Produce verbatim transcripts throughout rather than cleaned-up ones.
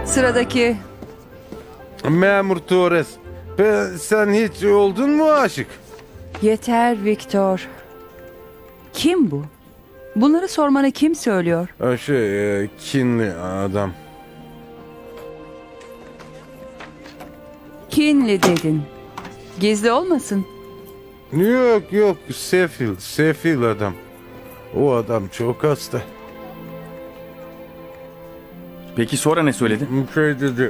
Sıradaki. Memur Torres, ben, sen hiç oldun mu aşık? Yeter Victor. Kim bu? Bunları sormanı kim söylüyor? Ha, Şey, e, kinli adam. Kinli dedin. Gizli olmasın. Yok yok, sefil, sefil adam. O adam çok hasta. Peki sonra ne söyledi? Şey dedi,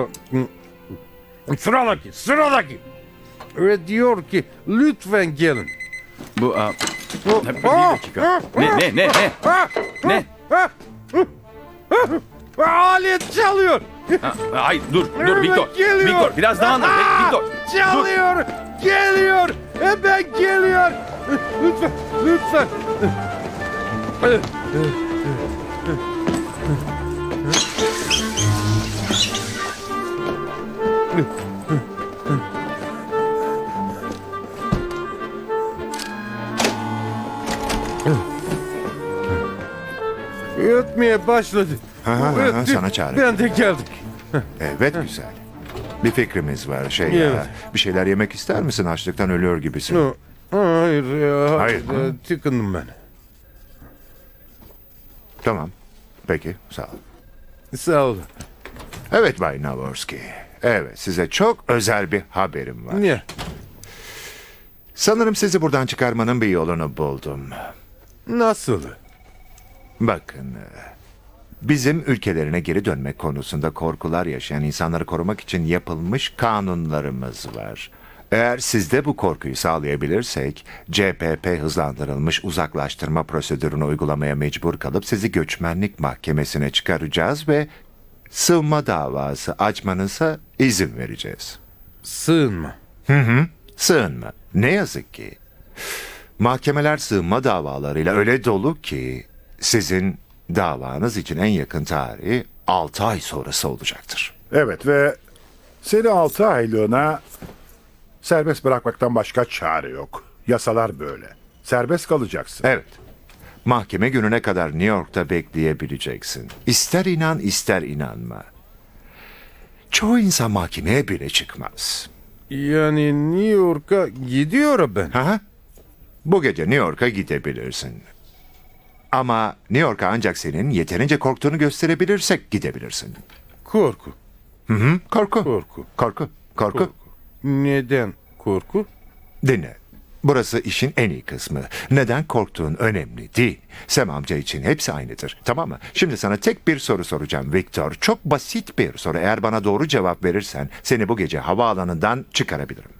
sıradaki, sıradaki. Ve diyor ki, lütfen gelin. Bu aa, O- bir dakika. Ne ne ne ne? Ne? Alet çalıyor. Ha, Hayır dur dur Evet, Victor. geliyor. Victor biraz daha anlat. Aa, Victor. Dur. Çalıyor. Geliyor. Hemen geliyor. Lütfen. Lütfen. Ötmeye başladı. Ha, ha, ha, Öttü. sana çare. Ben de geldik. Evet güzel. Bir fikrimiz var şey Evet. ya. Bir şeyler yemek ister misin? Açlıktan ölüyor gibisin. No. Hayır ya. Hayır. e, Tıkındım ben. Tamam. Peki sağ ol. Sağ ol. Evet Bay Navorski. Evet size çok özel bir haberim var. Niye? Sanırım sizi buradan çıkarmanın bir yolunu buldum. Nasıl? Bakın. e, Bizim ülkelerine geri dönmek konusunda korkular yaşayan insanları korumak için yapılmış kanunlarımız var. Eğer sizde bu korkuyu sağlayabilirsek C P P hızlandırılmış uzaklaştırma prosedürünü uygulamaya mecbur kalıp sizi göçmenlik mahkemesine çıkaracağız ve sığınma davası açmanıza izin vereceğiz. Sığınma. Sığınma. Ne yazık ki mahkemeler sığınma davalarıyla öyle dolu ki sizin davanız için en yakın tarihi altı ay sonrası olacaktır. Evet ve seni altı aylığına serbest bırakmaktan başka çare yok. Yasalar böyle. Serbest kalacaksın. Evet. Mahkeme gününe kadar New York'ta bekleyebileceksin. İster inan ister inanma. Çoğu insan mahkemeye bile çıkmaz. Yani New York'a gidiyor ben. Ha? Bu gece New York'a gidebilirsin. Ama New York'a ancak senin yeterince korktuğunu gösterebilirsek gidebilirsin. Korku. Hı? Korku. Korku. Korku. Korku. Neden korku? Dinle. Burası işin en iyi kısmı. Neden korktuğun önemli değil. Sam amca için hepsi aynıdır. Tamam mı? Şimdi sana tek bir soru soracağım Victor. Çok basit bir soru. Eğer bana doğru cevap verirsen seni bu gece havaalanından çıkarabilirim.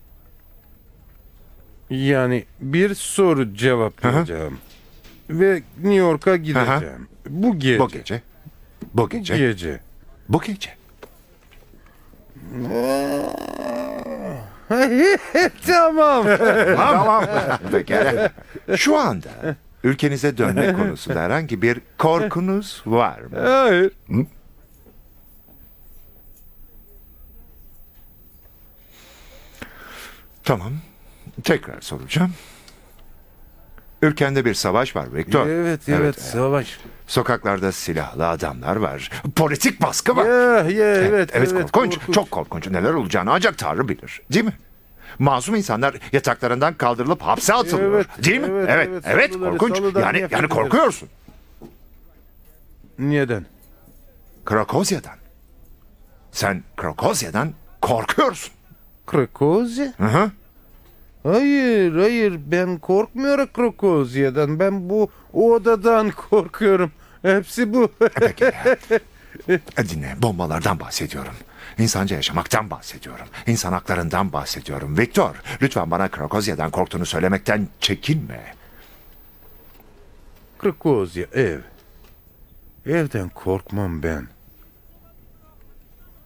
Yani bir soru cevaplayacağım. Ve New York'a gideceğim. Bu gece. Bu gece. Bu gece. Gece. Bu gece. Tamam. Tamam. Pekala. Şu anda ülkenize dönme konusunda herhangi bir korkunuz var mı? Hayır. Tamam. Tekrar soracağım. Ülkende bir savaş var Victor. Evet, evet, savaş. Sokaklarda silahlı adamlar var. Politik baskı var. Ya, ya, evet, evet, evet, korkunç, korkunç. çok korkunç. Neler olacağını ancak Tanrı bilir. Değil mi? Masum insanlar yataklarından kaldırılıp hapse atılıyor. Evet, değil mi? evet, Evet, evet, evet, salıları, korkunç. salıdan Yani nefret yani ederim. korkuyorsun. Neden? Krakozya'dan. Sen Krakozya'dan korkuyorsun. Krakozya? Hı hı. Hayır, hayır. Ben korkmuyorum Krakozya'dan. Ben bu odadan korkuyorum. Hepsi bu. Peki. Dinle, bombalardan bahsediyorum. İnsanca yaşamaktan bahsediyorum. İnsan haklarından bahsediyorum. Victor, lütfen bana Krakozya'dan korktuğunu söylemekten çekinme. Krakozya, ev. Evden korkmam ben.